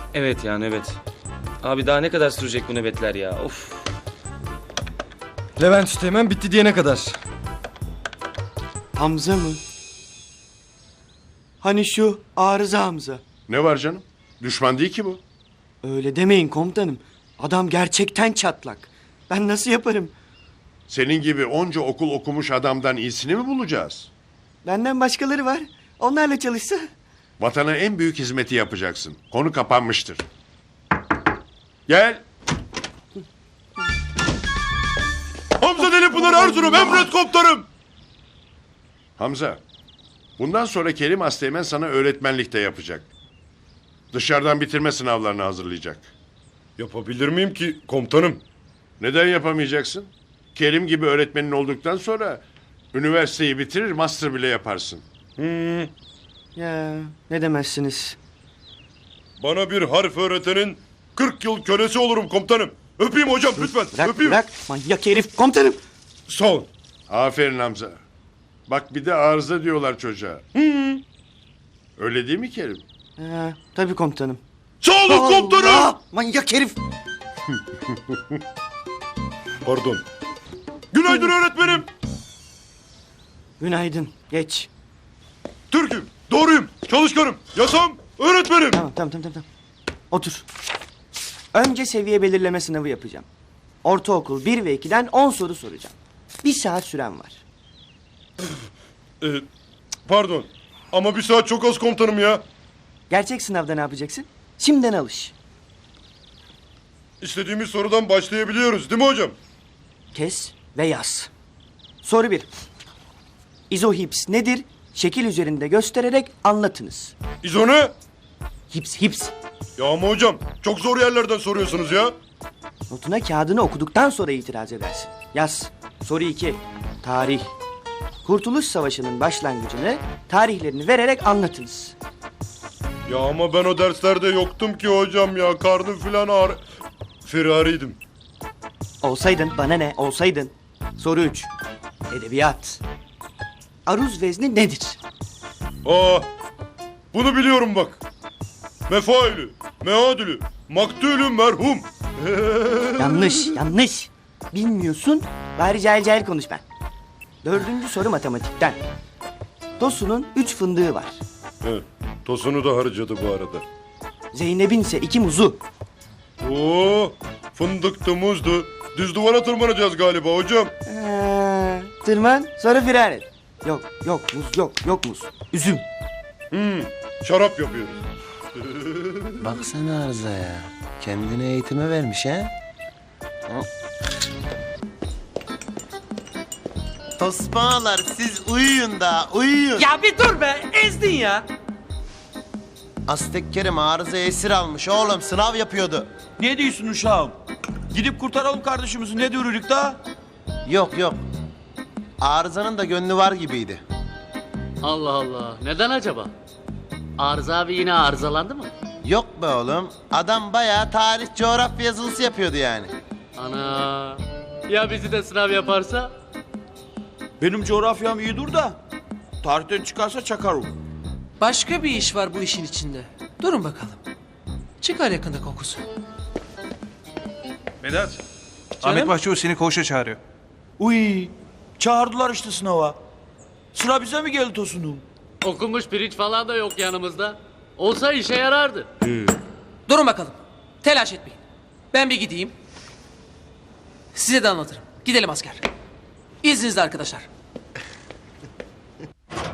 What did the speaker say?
Evet ya nöbet. Abi daha ne kadar sürecek bu nöbetler ya? Of. Levent Üsteğmen bitti diyene kadar. Hamza mı? Hani şu arıza Hamza. Ne var canım? Düşman değil ki bu. Öyle demeyin komutanım. Adam gerçekten çatlak. Ben nasıl yaparım? Senin gibi onca okul okumuş adamdan iyisini mi bulacağız? Benden başkaları var. Onlarla çalışsa. Vatana en büyük hizmeti yapacaksın. Konu kapanmıştır. Gel. Hamza Delipınar Erzurum emret komutanım. Hamza. Bundan sonra Kerim Asteğmen sana öğretmenlik de yapacak. Dışarıdan bitirme sınavlarını hazırlayacak. Yapabilir miyim ki komutanım? Neden yapamayacaksın? Kerim gibi öğretmenin olduktan sonra üniversiteyi bitirir, master bile yaparsın. Ya ne demezsiniz. Bana bir harf öğretenin 40 yıl kölesi olurum komutanım. Öpeyim hocam lütfen. Bırak öpeyim. bırak manyak herif komutanım. Sağ ol. Aferin Hamza. Bak bir de arıza diyorlar çocuğa. Öyle değil mi Kerim? Tabii komutanım. Sağ olun komutanım. Allah! Manyak herif. Pardon. Günaydın öğretmenim. Günaydın. Geç. Türk'üm, doğruyum, çalışkanım, yasam, öğretmenim. Tamam. Otur. Önce seviye belirleme sınavı yapacağım. Ortaokul 1 ve 2'den 10 soru soracağım. 1 saat süren var. Pardon ama bir saat çok az komutanım ya. Gerçek sınavda ne yapacaksın? Şimdiden alış. İstediğimiz sorudan başlayabiliyoruz değil mi hocam? Kes ve yaz. Soru 1. İzohips nedir? Şekil üzerinde göstererek anlatınız. İzone. Hips. Ya ama hocam çok zor yerlerden soruyorsunuz ya. Notuna kağıdını okuduktan sonra itiraz edersin. Yaz. Soru 2. Tarih. Kurtuluş Savaşı'nın başlangıcını, tarihlerini vererek anlatınız. Ya ama ben o derslerde yoktum ki hocam ya. Karnım filan ağrı... Firariydim. Olsaydın bana ne? Olsaydın. Soru 3. Edebiyat. Aruz vezni nedir? Aa, bunu biliyorum bak. Mefailü, meadülü, maktulü merhum. Yanlış. Bilmiyorsun, bari cahil konuş ben. 4. soru matematikten. Tosun'un 3 fındığı var. Evet, tosunu da harcadı bu arada. Zeynep'in ise 2 muzu. Oo, fındıktı, muzdu. Düz duvara tırmanacağız galiba hocam. Tırman, sonra firar et. Yok muz. Üzüm. Şarap yapıyoruz. Baksana Arıza'ya. Kendine eğitime vermiş ha? Tosbağalar siz uyuyun da uyuyun. Ya bir dur be, ezdin ya. Aztek Kerim arızaya esir almış oğlum, sınav yapıyordu. Ne diyorsun uşağım? Gidip kurtaralım kardeşimizi, ne diyoruz da? Yok. Arızanın da gönlü var gibiydi. Allah Allah. Neden acaba? Arıza abi yine arızalandı mı? Yok be oğlum, adam bayağı tarih coğrafya yazılısı yapıyordu yani. Ana. Ya bizi de sınav yaparsa? Benim coğrafyam iyi dur da. Tarihten çıkarsa çakarım. Başka bir iş var bu işin içinde. Durun bakalım. Çıkar yakında kokusu. Vedat, Canım? Ahmet Başçavuş seni koğuşa çağırıyor. Uy, çağırdılar işte sınava. Sıra bize mi geldi Tosun'um? Okunmuş pirinç falan da yok yanımızda. Olsa işe yarardı. Durun bakalım. Telaş etmeyin. Ben bir gideyim. Size de anlatırım. Gidelim asker. İzninizle arkadaşlar.